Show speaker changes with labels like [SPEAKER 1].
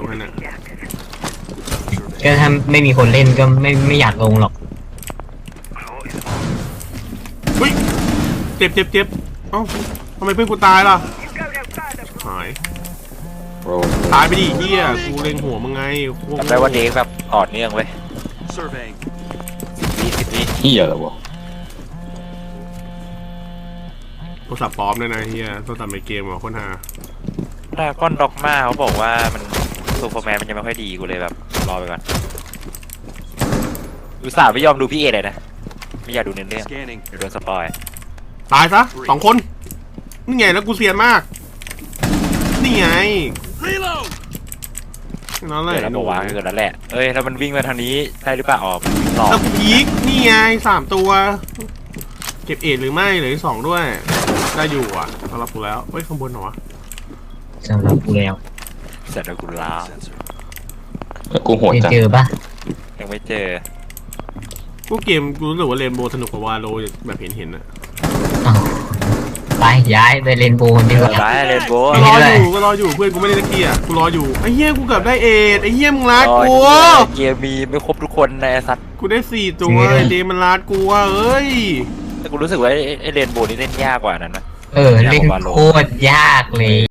[SPEAKER 1] งให้น่ะ
[SPEAKER 2] ก็ถ้าไม่มีคนเล่นก็ไม่อยากลงหรอก
[SPEAKER 1] เฮ้ยเจ็บเอ้าทำไมเพื่อนกูตายล่ะหายตายไปดิเฮียกูเล็งหัวมึงไง
[SPEAKER 3] จำได้ว่าเด็กแบบต่อเนื่องเว้ย10 วิ
[SPEAKER 4] เฮียอะไรวะ
[SPEAKER 1] โทรศัพท์ปลอมด้วยนะเฮียโทรศัพท์ในเกมอ่ะคนหา
[SPEAKER 3] ดราก้อนด็อกมาเขาบอกว่ามันซูเปอร์แมนมันยังไม่ค่อยดีกูเลยแบบรอไปก่อนอุตส่าห์ไม่ยอมดูพี่เอเลยนะไม่อยากดูเนื้อเรื่องเดี๋ยวโดนสปอย
[SPEAKER 1] ตายซะ2 คนนี่ไงแล้วกูเซียนมากนี่ไงนั่นแหละ
[SPEAKER 3] เดี๋ยวแล้วบอกว่าเกิดแล้วแหละเอ้ยแล้วมันวิ่งมาทางนี้ได้หรือเปล่าอ๋อหลอก
[SPEAKER 1] แล้วกูพีกนี่ไง3 ตัวเก็บเอ็ดหรือไม่เหลือ2ด้วยได้อยู่อ่ะสำหรับกูแล้วเฮ้ยข้างบนเหรอวะ
[SPEAKER 2] สำหรับกูแล้ว
[SPEAKER 3] เสร็จแล้วกูลา
[SPEAKER 4] กูโหด
[SPEAKER 2] ไม่
[SPEAKER 4] จัง
[SPEAKER 2] เจอปะ
[SPEAKER 3] ยังไม่เจอ
[SPEAKER 1] กูเกมกูรู้สึกว่าเรนโบว์สนุกกว่าวาโลแบบเห็นๆนะ
[SPEAKER 2] อ้าวไปย้ายไปเล่นโบนดีกว่า
[SPEAKER 3] ไปเลนโบ
[SPEAKER 1] ก็รออยู่เพื่อนกูไม่ได้ตะเกียร์กูรออยู่ไอ้เหี้ยกูเกือบได้เอ็ดไอ้เหี้ยมึงรัดกู
[SPEAKER 3] เกมมีไม่ครบทุกคนในสัตว์
[SPEAKER 1] กูได้4 ตัวไอ้เดมันรัดกูว่ะเอ้ย
[SPEAKER 3] แต่กูรู้สึกว่าไอ้เลนโบนี่เล่นยากกว่านั้นนะ
[SPEAKER 2] เล่นโคตรยากเลย